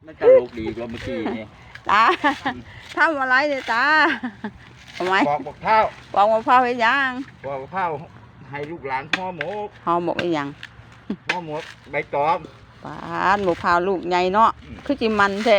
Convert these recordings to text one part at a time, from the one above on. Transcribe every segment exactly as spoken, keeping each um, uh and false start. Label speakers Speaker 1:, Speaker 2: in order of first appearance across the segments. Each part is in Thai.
Speaker 1: ไม่ตลกดีกว่าเมื่อกี้นี่
Speaker 2: ตาทำอะไรเนี่ยตาทำไม
Speaker 1: ปอกมะพร้าว
Speaker 2: ปอกมะพร้าวให้ยัง
Speaker 1: ปอกมะพร้าวให้ลูกหลานห่อหมก
Speaker 2: ห่อหมกให้ยัง
Speaker 1: ห่อหมกใบตอง
Speaker 2: ปานมะพร้าวลูกใหญ่เนาะคือจิมันแท้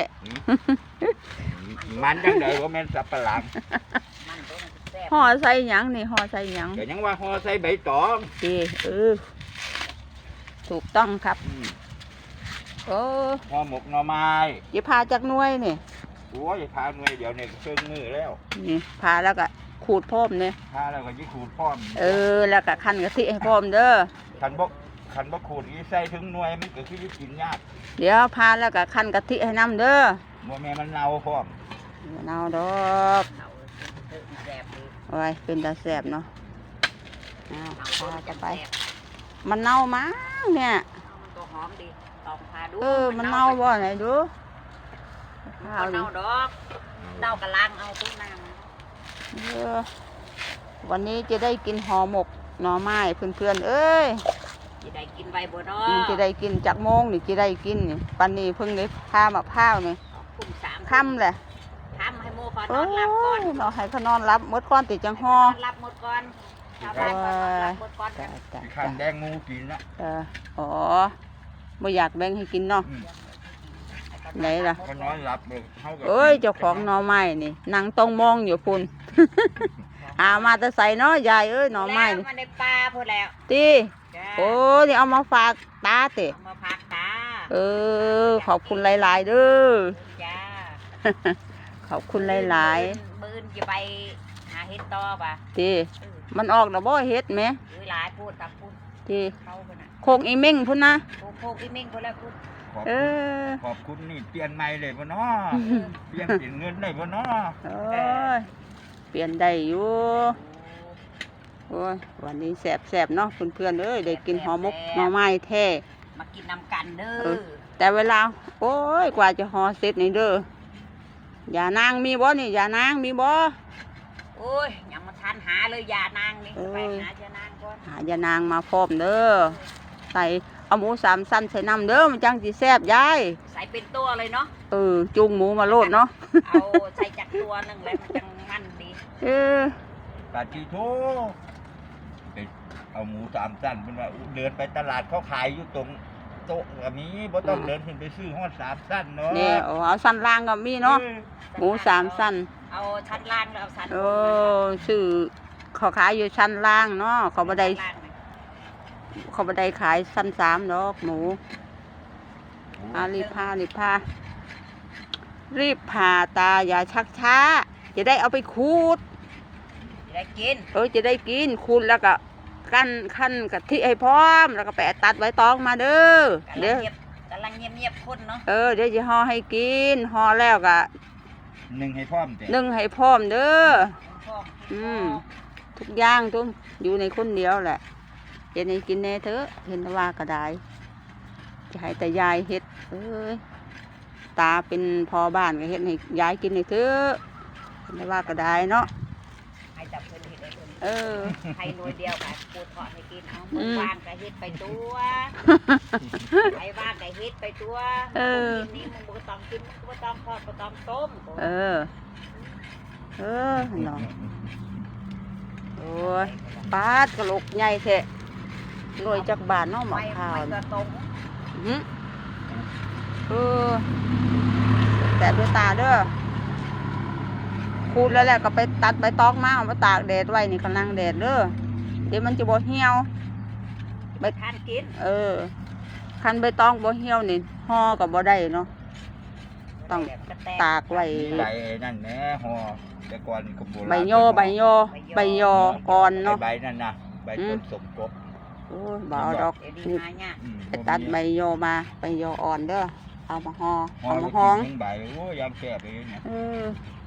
Speaker 1: มันจังไดว่าแม่นสับปะหลัง
Speaker 2: ห่อใส่ยังนี่ห่อใส่ยัง
Speaker 1: เดี๋ยวยังว่าห่อใส่ใบตอง
Speaker 2: ดีเออถูกต้องครับโอ้
Speaker 1: ห่อหมกหน่อไม้
Speaker 2: จะพาจากหน่วยนี่
Speaker 1: โอ้ยพาหน่วยเดี๋ยวเนี่ยเครื่องมือแล้ว
Speaker 2: นี่พาแล้วก็ขูดพร้อมเนี่ย
Speaker 1: พาแล้วก็ยิ่งขูดพร้อม
Speaker 2: เออแล้วก็คั่นกะทิให้พร้อมเด้อ
Speaker 1: ขันบกขันบกขูดอีใส่ถึงหน่วยมันก็คือกินยาก
Speaker 2: เดี๋ยวพาแล้วก็คั่นกะทิให้น้ำเด้อ
Speaker 1: บัวแม่มันเน่าพร้อม
Speaker 2: เน่าดอกโอ้ยเป็นตาแสบเนาะเอาพาจะไปมันเน่ามั้งเนี่ย
Speaker 3: ตัวหอมดีลองพาดู
Speaker 2: เออมันเน่าบ่ไหนดู
Speaker 3: มันเน่าดอกเน่ากระลังเอาตู้น้
Speaker 2: ำเออวันนี้จะได้กินห่อหมกหน่อไม้เพื่อนๆเอ้ย
Speaker 3: จะได้กินใบบัวดอ
Speaker 2: จะได้กินจากโมงนี่จะได้กินนี่ปันนี้เพิ่งได้พามะพร้าวนี่ค่ำแหละ
Speaker 3: ค่ำให้โมขอนอนรับก่อน
Speaker 2: เราให้เขานอนรับมดก้อนติดจังห่อ
Speaker 3: รับหมดก่อนชาวบ้านก็รับหมดก่อน
Speaker 1: ขันแดงงูกินละ
Speaker 2: เอออ๋อไม่อยากแบ่งให้กินเนาะไหนล่ะ
Speaker 1: นอนหลับเลย
Speaker 2: เอ้ยเจ้าของหน่อไม้นี่นั่งตรงมองอยู่พุ่นอามาจะใส่เนาะยายเอ้ยหน่อไม้
Speaker 3: มาในปลาพูดแล้ว
Speaker 2: ตีโอ้นี่เอามาฝากตาเตะ
Speaker 3: มาฝากตา
Speaker 2: เออขอบคุณหลายๆเด้อ
Speaker 3: จ้า
Speaker 2: ขอบคุณหลาย
Speaker 3: ๆมือจะไปหาเห็ดต่อป่ะ
Speaker 2: ตีมันออกแล้วบ่เห็ดไหม
Speaker 3: หลายพูดกับพูด
Speaker 2: ตีโคกอีเม่งพุ่นนะ
Speaker 3: โคกอีเม่งพุ่นแล้วพูด
Speaker 2: เออ
Speaker 1: ขอบคุณนี่เปลี่ยนใหม่เลยพ่อน้อเปลี่ยนเปลี่ยนเงินได้พ่อน้อ
Speaker 2: เออเปลี่ยนได้อยู่โอ้ยวันนี้แสบๆเนาะเพื่อนๆเอ้ยได้กินห่อหมกหน่อไม้แท้
Speaker 3: มากินน้ำกันเด้อ
Speaker 2: แต่เวลาโอ้ยกว่าจะห่อเสร็จนี่เด้อยานางมีบ่นี่ยานางมีบ่
Speaker 3: โอ้ยยังมาทานหาเลยยานางนี่ไปหายานางก่อน
Speaker 2: หายานางมาพร้อมเด้อใส่เอาหมูสามสั้นใส่น้ำเด้อมันจังสิแซ่บยาย
Speaker 3: ใส่เป็นตัวเลยเนาะ
Speaker 2: เออจุงหมูมาโลดเนาะ
Speaker 3: เอาใส่จากตัวนึงแล้วมันจังมันดี
Speaker 2: เออ
Speaker 1: ปาจิโตไปเอาหมูสามสั้นเป็นว่าเดินไปตลาดเขาขายอยู่ตรงโต๊ะแบบนี้บ่ต้องเดินขึ้นไปซื้อห้อสามสั้นเนาะ
Speaker 2: นี่เอาสั้นล่างก็มีเนาะหมูสามสั้น
Speaker 3: เอาชั้นล่างแล้วเอาชั้น
Speaker 2: โอ้ซื้อเขาขายอยู่ชั้นล่างเนาะเขาบ่ได้เขาบ่ได้ขายชั้นสามดอกหมูอารีบพารีบพารีบพาตาอย่าชักช้าจะได้เอาไปขูด
Speaker 3: จะได้กิน
Speaker 2: เออจะได้กินขูดแล้วก็กั้นขั้นกะทิให้พร้อมแล้วก็แปะตัดไว้ตองมาเด้อ
Speaker 3: เดี๋ยวกำลังเงียบๆคนเนาะ
Speaker 2: เออเดี๋ยวจะห่อให้กินห่อแล้วก็
Speaker 1: หนึ่งให้พร้อม
Speaker 2: หนึ่งให้พร้อมเด้ออืมทุกอย่างทุกอยู่ในคนเดียวแหละเห็นให้กินแน่เถอะเห็นว่าก็ได้จะให้แต่ยายเฮ็ดเอ้ยตาเป็นพอบ้านก็เฮ็ดให้ยายกินให้เถอะเห็นว่าก็ได้เนาะ
Speaker 3: ให้จับเพิ่นเฮ็ดให้เพิ่น
Speaker 2: เออ
Speaker 3: ให้หน่วยเดียวกันปูทอดให้กินเอามือวางก็เฮ็ดไปตัวไอ้ว่างก็เฮ็ดไปตัว
Speaker 2: เออ
Speaker 3: นี้มึงบ่ต้องกินมึงบ่ต้องทอดบ่ต้องต้ม
Speaker 2: เออเออเนาะโอ้ยปาดกระโหลกใหญ่แท้หน่วยจักบาทเนาะหมอกข้าวหืมเออแต่ด้วยตาเด้อขูดแล้วแหละก็ไปตัดใบตองมาเอามาตากแดดไว้นี่กำลังแดดเด้อเดี๋ยวมันจะบ่เหี่ยว
Speaker 3: ใบทานกิน
Speaker 2: เออคันใบตองบ่เหี่ยวนี่ห่อกับบ่ได้เนาะต้องตากไว้
Speaker 1: ใบนั่นแหละห่อแต่ก่อนก็โบราณ
Speaker 2: ใบยอใบยอใบยออ่อนเนาะ
Speaker 1: ใบนั่นนะใบต้นสมกบ
Speaker 2: โอ้ยบ่เอาดอกนี่ไปตัดใบยอมาใบยออ่อนเด้อเอามาห่อเอามาห้อง
Speaker 1: ใบโอ้ยำแซ่บเลยเนี่ย
Speaker 2: เออ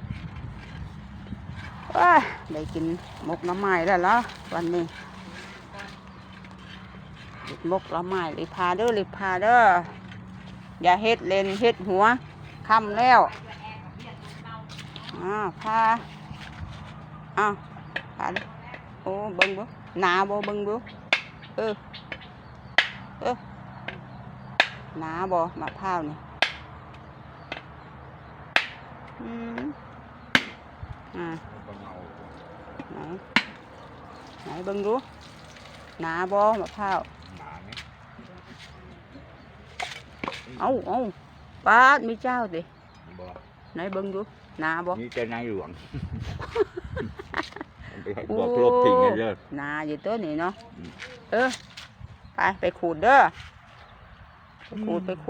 Speaker 2: ว้าได้กินหมกน้ำไม้แล้วล่ะวันนี้หมกน้ำไม้เลยพาเด้อเลยพาเด้ออย่าเฮ็ดเลนเฮ็ดหัวค่ำแล้วอ่าพาอ้าวพาโอ้เบิ้งบ่หนาบ่เบิ้งบ่เออเออหนาบ่มะพร้าวนี่อืมอ่า
Speaker 1: บ่เงา
Speaker 2: ไหนไหนเบิ่งดูหนาบ่มะพร้าว
Speaker 1: หนาเนี่ย
Speaker 2: เอ้าเอ้าปาดมีเจ้าดิ
Speaker 1: บ่
Speaker 2: ไหนเบิ่งดูหนาบ่
Speaker 1: นี่จะนายหลวงมันไปให้บอกลบทิ้งเลยเด้อ
Speaker 2: หนาอยู่ตัวนี้เนาะ
Speaker 1: อืม
Speaker 2: เออไปไปขูดเด้อไปขูดไปขูด